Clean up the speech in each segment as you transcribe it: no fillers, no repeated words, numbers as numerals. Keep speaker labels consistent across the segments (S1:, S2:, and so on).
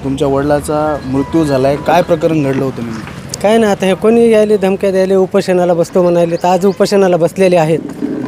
S1: तुमच्या वडिलाचा मृत्यू झालाय, काय प्रकरण घडलं होतं नेमकं?
S2: काय ना, आता हे कोणी यायले धमक्या द्यायले, उपोषणाला बसतो म्हणाले, तर आज उपोषणाला बसलेले आहेत.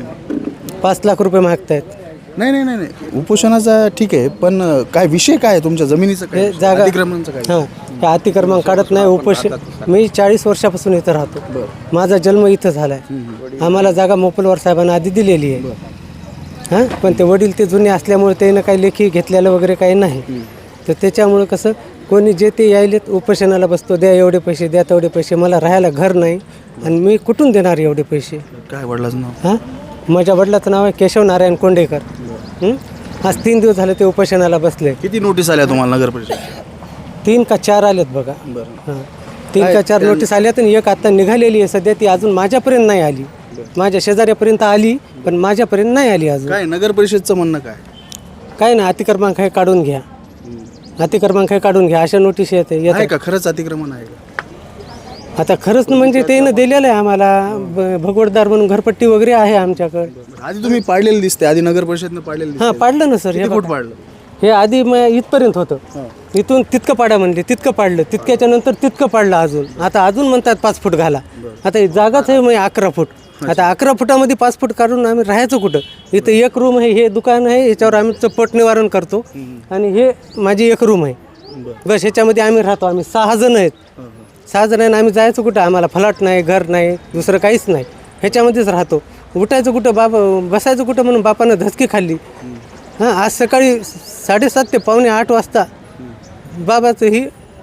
S2: 5 लाख रुपये मागतायत.
S1: नाही नाही नाही नाही, उपोषणाचा ठीक आहे, पण काय विषय काय आहे तुमच्या जमिनीचं, काय
S2: हे जागा
S1: अतिक्रमणाचं काय?
S2: हां, हे अतिक्रमण काढत नाही. मी 40 वर्षापासून इथं राहतो. माझा जन्म इथं झाला आहे. आम्हाला जागा मोपलवार साहेबांना आधी दिलेली आहे. हां, पण ते वडील ते जुने असल्यामुळे त्यानं काही लेखी घेतलेलं वगैरे काही नाही. तर त्याच्यामुळं कसं कोणी जे ते यायलेत उपोषणाला बसतो, द्या एवढे पैसे, द्या तेवढे पैसे. मला राहायला घर नाही आणि मी कुठून देणार एवढे पैसे?
S1: काय वडिलाचं नाव?
S2: हां, माझ्या वडिलाचं नाव आहे केशव नारायण कोंडेकर. आज 3 दिवस झाले ते उपोषणाला बसले.
S1: किती नोटीस आल्या तुम्हाला नगर परिषद?
S2: 3 का 4 आलेत बघा.
S1: बरं.
S2: हां, 3 का 4 नोटीस आल्यात आणि एक आता निघालेली आहे सध्या. ती अजून माझ्यापर्यंत नाही आली. माझ्या शेजाऱ्यापर्यंत आली, पण माझ्यापर्यंत नाही आली अजून.
S1: काय नगर परिषदचं म्हणणं काय?
S2: काय ना, अतिक्रमण काय काढून घ्या, अतिक्रमण काय काढून घ्या, अशा नोटीस
S1: आहे का? खरंच अतिक्रमण आहे का?
S2: आता खरंच म्हणजे त्यानं दिलेलं आहे आम्हाला. भगवतदार म्हणून घरपट्टी वगैरे आहे आमच्याकडे.
S1: आधी तुम्ही पाडलेलं दिसते, आधी नगर परिषदनं पाडलेलं दिसते.
S2: हां, पाडलं ना सर. हे
S1: फूट पाडलं?
S2: हे आधी इथपर्यंत होतं. इथून तितकं पाडा म्हणले, तितकं पाडलं. तितक्याच्या नंतर तितकं पाडलं अजून. आता अजून म्हणतात 5 फूट घाला. आता ही जागाच आहे मग 11 फूट. आता 11 फुटामध्ये 5 फूट काढून आम्ही राहायचं कुठं? इथं एक रूम आहे, हे दुकान आहे, याच्यावर आम्ही पोट निवारण करतो. आणि हे माझी एक रूम आहे बस. ह्याच्यामध्ये आम्ही राहतो. आम्ही 6 जण आहेत. 6 जण आहे. आम्ही जायचं कुठं? आम्हाला फ्लॅट नाही, घर नाही, दुसरं काहीच नाही. ह्याच्यामध्येच राहतो. उठायचं कुठं? बसायचं कुठं म्हणून बापानं धसकी खाल्ली. हां, आज सकाळी 7:30 ते पावणे 8 वाजता बाबाचं ही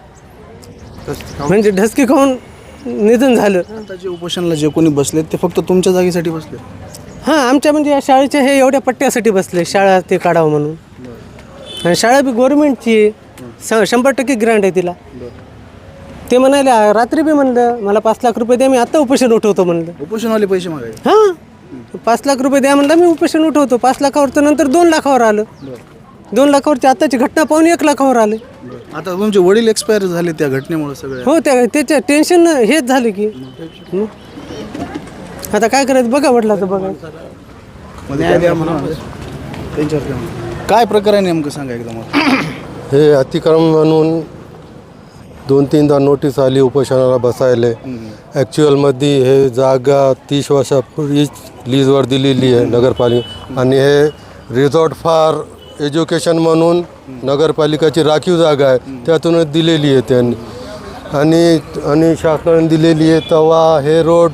S2: म्हणजे ढसकी खाऊन निधन झालं.
S1: आता जे उपोषणाला जे कोणी बसले ते फक्त तुमच्या जागेसाठी बसले?
S2: हां, आमच्या म्हणजे या शाळेच्या हे एवढ्या पट्ट्यासाठी बसले, शाळा ते काढावं म्हणून. आणि शाळा बी गव्हर्नमेंटची आहे, 100% ग्रँट आहे तिला. ते म्हणाले, रात्री बी म्हणलं मला 5 लाख रुपये द्या, मी आत्ता उपोषण उठवतो म्हणलं.
S1: उपोषणवाले पैसे मागायचे?
S2: हां, 5 लाख रुपये द्या म्हणलं, मी उपोषण उठवतो. 5 लाखावर तर नंतर 2 लाखावर आलं. 2 लाखावरची आत्ताची घटना पाहून 1 लाखावर आले.
S1: आता तुमचे वडील एक्सपायर झाले त्या घटनेमुळे सगळे?
S2: हो, त्याच्या टेन्शन हेच झालं की. आता काय करायचं बघा, वडिलाचं बघा.
S1: काय प्रकार आहे नेमकं सांगा एकदम?
S3: हे अतिक्रमण म्हणून 2-3दा नोटीस आली उपोषणाला बसायला. ॲक्च्युअलमध्ये हे जागा 30 वर्षापूर्वीच लीजवर दिलेली आहे नगरपालिका. आणि हे रिसॉर्ट फॉर एज्युकेशन म्हणून नगरपालिकाची राखीव जागा आहे, त्यातूनच दिलेली आहे त्यांनी. आणि शासनाने दिलेली आहे. तेव्हा हे रोड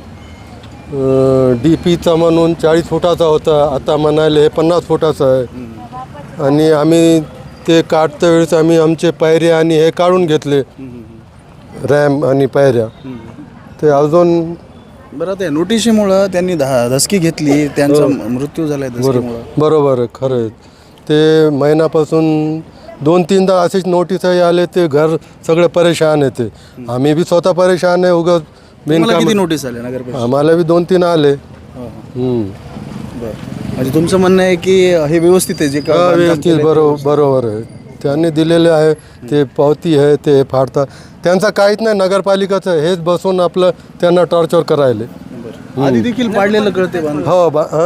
S3: DPचा म्हणून 40 फुटाचा होता, आता म्हणाले हे 50 फुटाचं आहे. आणि आम्ही ते काढत्या वेळेस आम्ही आमचे पायऱ्या आणि हे काढून घेतले, रॅम्प आणि पायऱ्या. ते अजून
S1: बरं, ते नोटिशीमुळं त्यांनी धसकी घेतली, त्यांचा मृत्यू झाला धसकीमुळं.
S3: बरोबर आहे, खरं आहे. ते महिन्यापासून 2-3दा असेच नोटीसही आले. ते घर सगळे परेशान आहे. ते आम्ही बी स्वतः परेशान आहे. उगाच
S1: किती नोटीस आले नगर परिषद?
S3: आम्हाला बी 2-3 आले.
S1: बरं, म्हणजे तुमचं म्हणणं आहे की हे व्यवस्थित आहे जे काय
S3: व्यवस्थित? बरोबर आहे. त्यांनी दिलेले आहे ते पावती आहे, ते फाडतात. त्यांचं काहीच नाही नगरपालिकाचं. हेच बसून आपलं त्यांना टॉर्चर करायले.
S1: आधी देखील पाडलेलं कळते.
S3: हो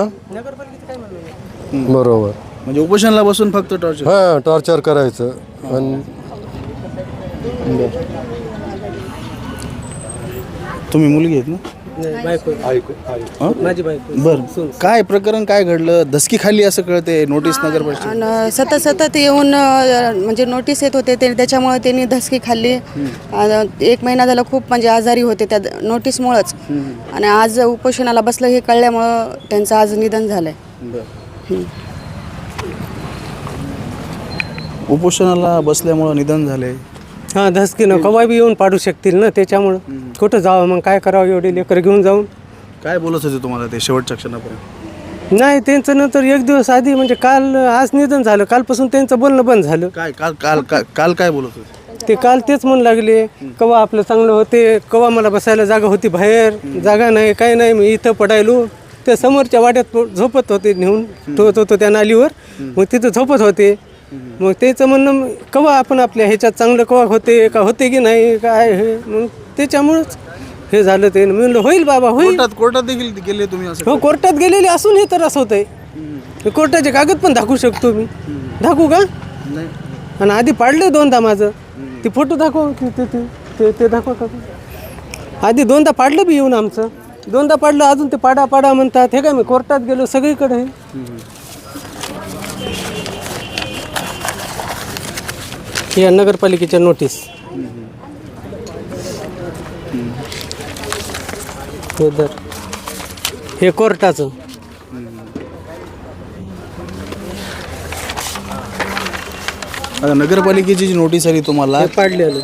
S3: बरोबर.
S1: म्हणजे उपोषणाला बसून फक्त टॉर्चर?
S3: हां, टॉर्चर करायचं. आणि
S1: तुम्ही मुलगी आहेत ना?
S2: माझी बायको.
S1: बरं, काय प्रकरण काय घडलं? धसकी खाल्ली असं कळते नोटीस नगर परिषद?
S4: आणि सतत येऊन म्हणजे नोटीस येत होते ते, त्याच्यामुळे त्यांनी धसकी खाल्ली. 1 महिना झाला खूप म्हणजे आजारी होते त्या नोटीसमुळंच. आणि आज उपोषणाला बसलं हे कळल्यामुळं त्यांचं आज निधन झालं आहे.
S1: उपोषणाला बसल्यामुळं निधन झाले?
S2: हां, धसकीनं कवा बी येऊन पाडू शकतील ना, त्याच्यामुळं कुठं जावं मग, काय करावं एवढे लेकर घेऊन जाऊन.
S1: काय बोलत होते तुम्हाला ते शेवटच्या क्षणापर्यंत?
S2: नाही, त्यांचं नंतर 1 दिवस आधी म्हणजे काल, आज निधन झालं, कालपासून त्यांचं बोलणं बंद झालं.
S1: काय काल काय बोलत होते
S2: ते? काल तेच म्हणू लागले, कवा आपलं चांगलं होते, कवा मला बसायला जागा होती, बाहेर जागा नाही, काही नाही, मी इथं पडायलो. ते समोरच्या वाड्यात झोपत होते, नेऊन ठेवत होतो त्या नालीवर, मग तिथं झोपत होते. मग त्याचं म्हणणं, कवा आपण आपल्या ह्याच्यात चांगलं कवा होते का, होते की नाही काय, हे मग त्याच्यामुळंच हे झालं. ते मी म्हणलं होईल बाबा, होईल.
S1: कोर्टात देखील गेले तुम्ही असं?
S2: हो, कोर्टात गेलेले असून हे त्रास होत आहे. कोर्टाचे कागद पण दाखवू शकतो मी. दाखवू का?
S1: नाही.
S2: आणि आधी पाडलं दोनदा माझं. ती फोटो दाखव, ते दाखवा का. आधी दोनदा पाडलं बी येऊन आमचं, दोनदा पाडलं, अजून ते पाडा पाडा म्हणतात. हे काय मी कोर्टात गेलो सगळीकडे. हे नगरपालिकेच्या नोटीस. हे कोर्टाचं.
S1: आता नगरपालिकेची जी नोटीस आली तुम्हाला,
S2: हे पाडलेलं.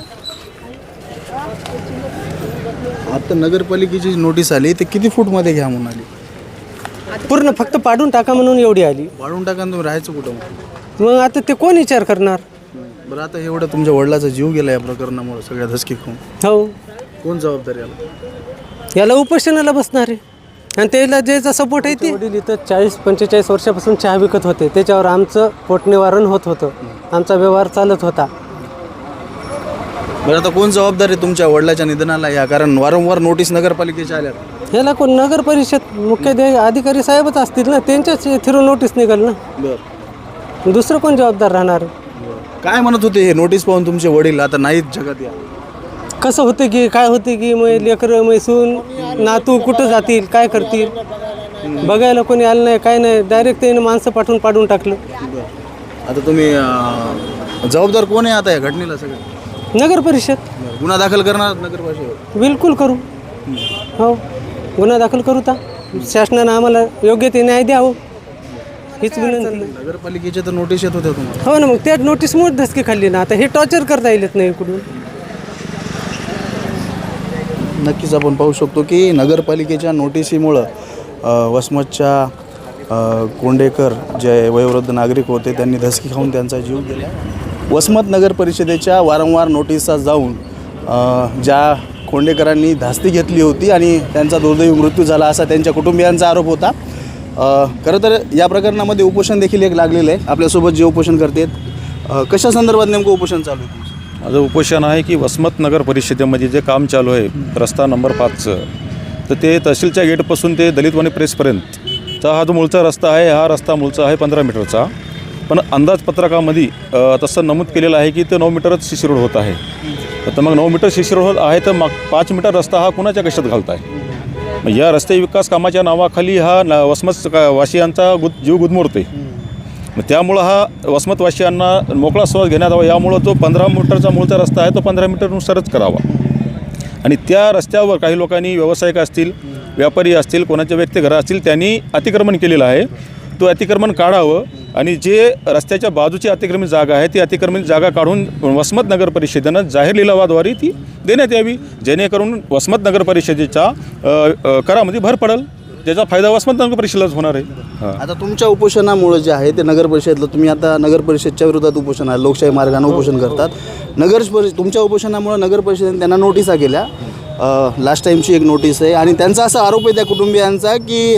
S1: आता नगरपालिकेची जी नोटीस आली ते किती फूटमध्ये घ्या म्हणून आली?
S2: पूर्ण फक्त पाडून टाका म्हणून एवढी आली.
S1: वाढून टाका आणि तुम्ही राहायचं कुठं?
S2: मग आता ते कोण विचार करणार.
S1: बरं, आता एवढं तुमच्या वडिलाचा जीव गेला या प्रकरणामुळे, सगळ्या धसकी खाऊन,
S2: हो,
S1: कोण जबाबदार याला?
S2: याला उपोषणाला बसणार आहे. आणि त्याला ज्याचा सपोर्ट आहे ते. वडील इथं 40-45 वर्षापासून चहा विकत होते, त्याच्यावर आमचं पोटनिवारण होत होतं, आमचा व्यवहार चालत होता.
S1: बरं, आता कोण जबाबदार आहे तुमच्या वडिलाच्या निधनाला या? कारण वारंवार नोटीस नगरपालिकेच्या आल्या.
S2: ह्याला कोण नगर परिषद मुख्य अधिकारी साहेबच असतील ना, त्यांच्याच थ्रू नोटीस निघाल ना.
S1: बरं,
S2: दुसरं कोण जबाबदार राहणार.
S1: काय म्हणत होते हे नोटीस पाहून तुमचे वडील? आता नाहीत जगात या.
S2: कसं होतं की काय होते की मग लेकरं मैसून नातू कुठं जातील, काय करतील, बघायला कोणी आलं नाही, काय नाही. डायरेक्ट त्याने माणसं पाठवून पाडून टाकलं.
S1: आता तुम्ही जबाबदार कोण आहे आता या घटनेला? सगळं
S2: नगर परिषद.
S1: गुन्हा दाखल करणार नगर परिषद?
S2: बिलकुल करू. हो, गुन्हा दाखल करू. तर शासनानं आम्हाला योग्य ते न्याय द्यावं हीच विनंती.
S1: नगरपालिकेच्या तर नोटीस येत होत्या तुम्हाला?
S2: हो ना, मग त्या नोटीसमुळे धसकी खाल्ली ना. आता हे टॉर्चर करता येत नाही इकडून.
S1: नक्कीच आपण पाहू शकतो की नगरपालिकेच्या नोटिसीमुळं वसमतच्या कोंडेकर जे वयोवृद्ध नागरिक होते त्यांनी धसकी खाऊन त्यांचा जीव गेला. वसमत नगर परिषदेच्या वारंवार नोटिसा जाऊन ज्या कोंडेकरांनी धास्ती घेतली होती आणि त्यांचा दुर्दैवी मृत्यू झाला असा त्यांच्या कुटुंबियांचा आरोप होता. खरं तर या प्रकरणामध्ये उपोषण देखील एक लागलेलं आहे. आपल्यासोबत जे उपोषण करतात, कशा संदर्भात नेमकं उपोषण चालू आहे?
S5: माझं उपोषण आहे की वसमत नगर परिषदेमध्ये जे काम चालू आहे रस्ता नंबर 5चं, तर ते तहसीलच्या गेटपासून ते दलितवाणी प्रेसपर्यंतचा हा जो मूळचा रस्ता आहे, हा रस्ता मूळचा आहे 15 मीटरचा. पण अंदाजपत्रकामध्ये तसं नमूद केलेलं आहे की ते 9 मीटरच शिशी रोड होत आहे. तर मग 9 मीटर शिशी रोड आहे तर मग 5 मीटर रस्ता हा कुणाच्या कशात घालत आहे? मग या रस्ते विकास कामाच्या नावाखाली हा वसमत वासियांचा जीव गुदमरते. मग त्यामुळं हा वसमतवासियांना मोकळा श्वास घेण्यात यावा, यामुळं जो 15 मीटरचा मूळचा रस्ता आहे तो 15 मीटरनुसारच करावा. आणि त्या रस्त्यावर काही लोकांनी, व्यावसायिक असतील, व्यापारी असतील, कोणाचे व्यक्तिघर असतील, त्यांनी अतिक्रमण केलेलं आहे. तो अतिक्रमण काढावं आणि जे रस्त्याच्या बाजूची अतिक्रमित जागा आहे ती अतिक्रमित जागा काढून वसमत नगर परिषदेनं जाहीर लिलावाद्वारे ती देण्यात यावी, जेणेकरून वसमत नगर परिषदेच्या करामध्ये भर पडेल, त्याचा फायदा वसमत नगर परिषदेलाच होणार आहे.
S1: आता तुमच्या उपोषणामुळे जे आहे ते नगर परिषदेला, तुम्ही आता नगर परिषदच्या विरोधात उपोषण आहे, लोकशाही मार्गाने उपोषण करतात. तुमच्या उपोषणामुळे नगर परिषदेने त्यांना नोटिसा केल्या. लास्ट टाईमची एक नोटीस आहे आणि त्यांचा असा आरोप आहे त्या कुटुंबियांचा की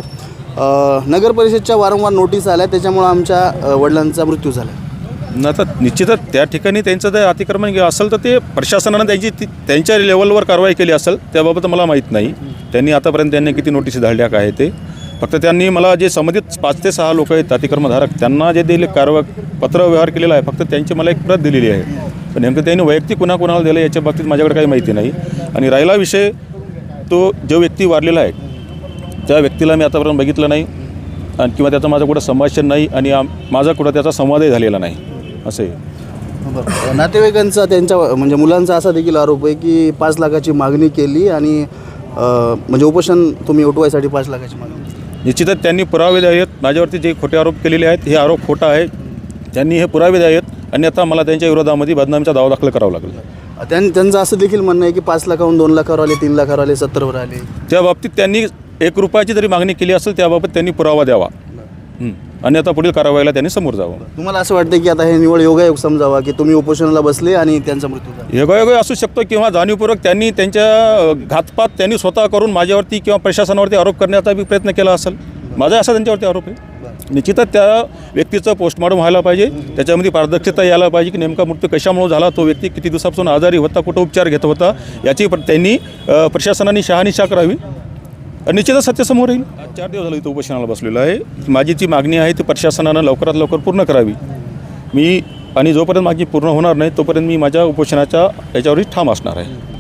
S1: नगर परिषदच्या वारंवार नोटीस आल्या त्याच्यामुळे आमच्या वडिलांचा मृत्यू झाला.
S5: आता निश्चितच त्या ठिकाणी त्यांचं जर अतिक्रमण असेल तर ते प्रशासनानं त्यांच्या लेवलवर कारवाई केली असेल, त्याबाबत मला माहीत नाही. त्यांनी आतापर्यंत त्यांनी किती नोटीस धाडल्या काय ते. फक्त त्यांनी मला जे संबंधित 5 ते 6 लोक आहेत अतिक्रमधारक, त्यांना जे दिले पत्र व्यवहार केलेला आहे, फक्त त्यांची मला एक प्रत दिलेली आहे. पण नेमकं त्यांनी वैयक्तिक कुणाकुणाला दिलं याच्या बाबतीत माझ्याकडे काही माहिती नाही. आणि राहिला विषय, तो जो व्यक्ती वारलेला आहे त्या व्यक्तीला मी आतापर्यंत बघितलं नाही आणि किंवा त्याचं माझं कुठं संभाषण नाही आणि माझा कुठं त्याचा संवादही झालेला नाही असे.
S1: नातेवाईकांचा, त्यांच्या म्हणजे मुलांचा असा देखील आरोप आहे की 5 लाखाची मागणी केली आणि म्हणजे उपोषण तुम्ही उठवायसाठी 5 लाखाची मागणी.
S5: निश्चितच त्यांनी पुरावे द्यावेत. माझ्यावरती जे खोटे आरोप केलेले आहेत हे आरोप खोटा आहे. त्यांनी हे पुरावे द्यावेत आणि आता मला त्यांच्या विरोधामध्ये बदनामीचा दावा दाखल करावा लागला.
S1: त्यांचं असं देखील म्हणणं आहे की 5 लाखाहून 2 लाखावर आले, 3 लाखावर आले, 70वर आले.
S5: त्या बाबतीत त्यांनी 1 रुपयाची जरी मागणी केली असेल त्याबाबत त्यांनी पुरावा द्यावा आणि आता पुढील कारवाईला त्यांनी समोर जावं.
S1: तुम्हाला असं वाटतं की आता हे निवड योगायोग समजावा की तुम्ही उपोषणाला बसले आणि त्यांचा मृत्यू झाला?
S5: योगायोग असू शकतो किंवा जाणीवपूर्वक त्यांनी त्यांच्या घातपात त्यांनी स्वतः करून माझ्यावरती किंवा प्रशासनावरती आरोप करण्याचा बी प्रयत्न केला असेल. माझा असा त्यांच्यावरती आरोप आहे. निश्चितच त्या व्यक्तीचं पोस्टमॉर्टम व्हायला पाहिजे, त्याच्यामध्ये पारदर्शकता यायला पाहिजे की नेमका मृत्यू कशामुळे झाला, तो व्यक्ती किती दिवसापासून आजारी होता, कुठं उपचार घेत होता, याची त्यांनी प्रशासनाने शहानिशा करावी. निश्चितच सत्य समोर येईल. 4 दिवस झाले इथं उपोषणाला बसलेलं आहे. माझी जी मागणी आहे ती प्रशासनानं लवकरात लवकर पूर्ण करावी. मी आणि जोपर्यंत मागणी पूर्ण होणार नाही तोपर्यंत मी माझ्या उपोषणाच्या याच्यावरही ठाम असणार आहे.